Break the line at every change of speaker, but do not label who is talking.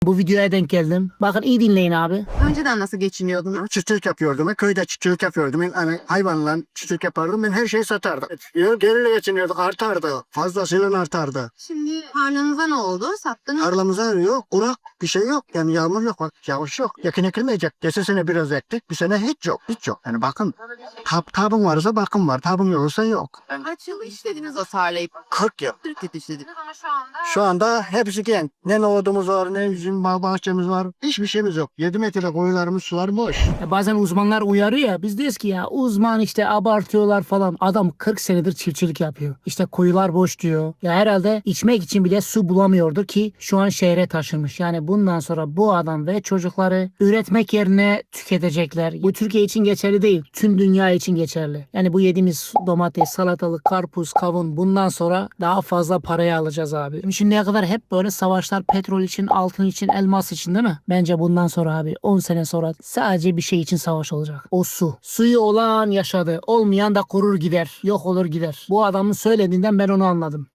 Bu videoya denk geldim. Bakın iyi dinleyin abi.
Önceden nasıl geçiniyordun?
Çiftçilik yapıyordum. Ben köyde çiftçilik yapıyordum. Ben hani hayvanla çiftçilik yapardım. Ben her şeyi satardım. Geriyle geçiniyorduk. Artardı. Fazlasıyla artardı.
Şimdi tarlanıza ne oldu? Sattınız mı?
Tarlamıza yok. Kurak bir şey yok. Yani yağmur yok. Bak yağış yok. Yakın ekilmeyecek. Geçen sene biraz ektik. Bir sene hiç yok. Hiç yok. Yani bakın. Tabım varsa bakım var. Tabım yoksa yok.
Kaç yıl işlediniz o tarlayı?
40 yıl.
40 yıl işlediniz ama şu anda...
Şu anda hepsi genç. Ne nohudumuz var, ne üzüm bahçemiz var. Hiçbir şeyimiz yok. 7 metre koyularımız, sular boş.
Bazen uzmanlar uyarıyor ya. Biz diyoruz ki ya uzman işte abartıyorlar falan. Adam 40 senedir çiftçilik yapıyor. İşte kuyular boş diyor. Ya herhalde içmek için bile su bulamıyordur ki şu an şehre taşınmış. Yani bundan sonra bu adam ve çocukları üretmek yerine tüketecekler. Bu Türkiye için geçerli değil. Tüm dünya için geçerli. Yani bu yediğimiz domates, salatalık, karpuz, kavun bundan sonra daha fazla paraya alacağız abi. Şimdiye kadar hep böyle savaşlar petrol için, altın için, elmas için değil mi? Bence bundan sonra abi 10 sene sonra sadece bir şey için savaş olacak. O su. Suyu olan yaşadı. Olmayan da kurur gider. Yok olur gider. Bu adamın söylediğinden ben onu anladım.